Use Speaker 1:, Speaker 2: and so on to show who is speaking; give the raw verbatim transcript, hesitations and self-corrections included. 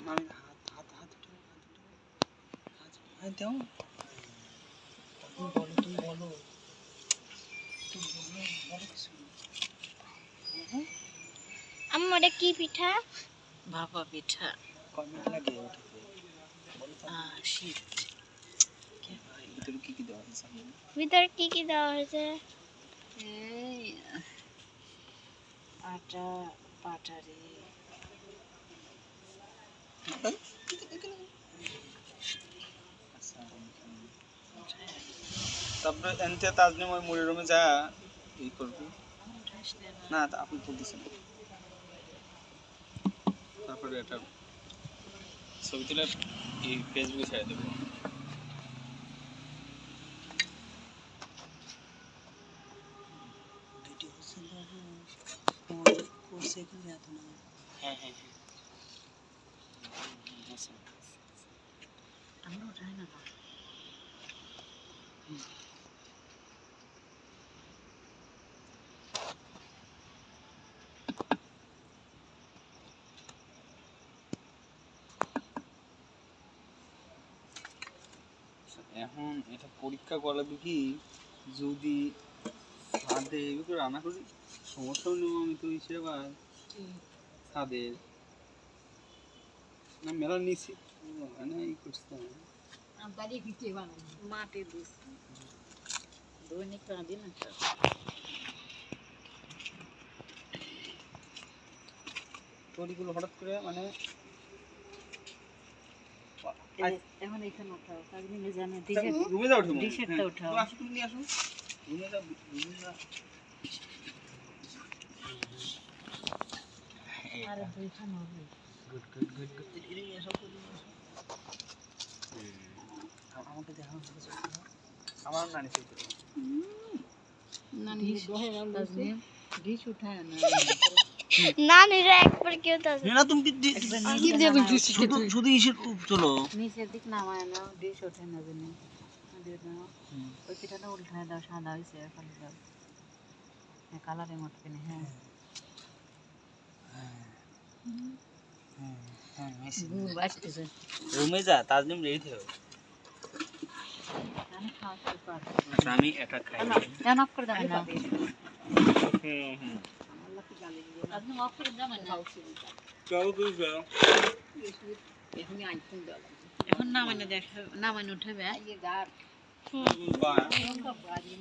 Speaker 1: আমি হাত হাত হাত উঠে হাত উঠে হাত দাও তুমি বলো তুমি বলো তুমি বলো বলো কিছু
Speaker 2: আম্মা এটা কি পিঠা?
Speaker 3: ভাপা পিঠা।
Speaker 1: কয় মিনিট লাগে ওঠাতে বলো তো
Speaker 3: শীত
Speaker 1: কি ভাই ভিতরে কি কি দেওয়া হয়েছে
Speaker 2: ভিতরে কি কি দেওয়া হয়েছে?
Speaker 3: এই আটা পাটারি
Speaker 1: তারপরে এনতে তাজনিম ওই মুড়ি রুমে যা এই করবি না তা আপনি বলতেছেন তারপরে এটা ছবি তুলে এই ফেসবুকে ছেড়ে দেবো ভিডিও করছে কি এত না হ্যাঁ হ্যাঁ হ্যাঁ
Speaker 3: আমরা উঠাই না
Speaker 1: এখন এটা পরীক্ষা করাবে কি যদি ছাদে এগুলো রান্না করি সমস্যা নেব আমি তো হিসেবে ছাদের না মেলা নিচে না ই করছে
Speaker 3: মাটি দিস দৈনিক কাঁদি না
Speaker 1: তরিগুলো হঠাৎ করে মানে
Speaker 3: এখন এখানে উঠাও কাগনি জানে
Speaker 1: রুমে যাও ঠিক
Speaker 3: ডিশেরটা উঠাও
Speaker 1: আসো তুমি নিয়ে আসো রুমে যাও রুমে যাও
Speaker 3: আরে দুইখান হবে
Speaker 1: গুড গুড গুড গুড এদিকে নিয়ে আসো আমাকে দেখাও আমার নানি সেই করে
Speaker 3: নানি ডিশ উঠায় না
Speaker 2: না নিরা একবার কেউ তো
Speaker 1: না তুমি কি দিয়ে শুধু শুধু ইসে চলো
Speaker 3: নিচের দিক নামায় না ডিশ ওঠে না জানি দিয়ে দাও ওই পিঠাটা উল্টায় দাও সাদা হয়েছে খালি দাও হ্যাঁ কালারের মতো কিনে হ্যাঁ
Speaker 1: রুমে যা তাজনিম রেডি থেকো
Speaker 3: আমি খাওয়া পারবো
Speaker 1: আমি এটা খাই
Speaker 3: কেন অফ করে দেবেন না
Speaker 1: হুম হুম
Speaker 3: আপনি অফ করে দেবেন না
Speaker 1: চলো তুই যাও
Speaker 3: এখন নামানো দেখ নামানো উঠাবে
Speaker 1: হুম